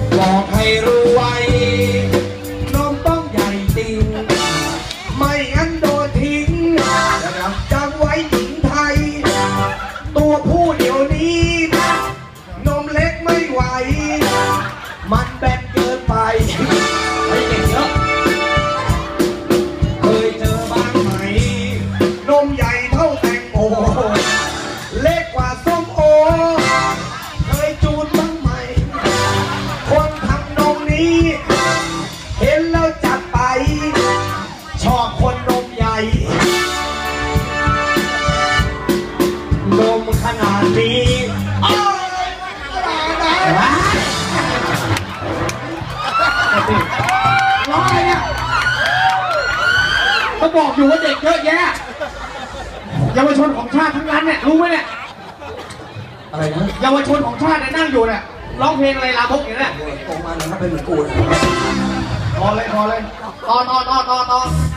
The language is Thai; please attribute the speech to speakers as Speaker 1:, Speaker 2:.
Speaker 1: บอกให้รู้ไว้นมต้องใหญ่จริงไม่งั้นโดนทิ้งจำไว้หญิงไทยตัวผู้เดี๋ยวนี้นมเล็กไม่ไหวมันแบนเกินไปไอ้เด็กเยอะเคยเจอบ้างไหมนมใหญ่เท่าแตงโมเล็กกว่าส้มโอเคยจูนบ้างไหมคนทำนมนี้เห็นแล้วจัดไปชอบคนนมใหญ่นมขนาดนี้ร้องอะไรเนี่ยเขาบอกอยู่ว่าเด็กเยอะแยะเยาวชนของชาติทั้งนั้นเนี่ยรู้ไหมเนี่ยอะไรนะเยาวชนของชาติเนี่ยนั่งอยู่เนี่ยร้องเพลงอะไรลามกอย่างนี้เนี่ยโตมาเนี่ยถ้าเป็นเหมือนกูพอเลยต่อ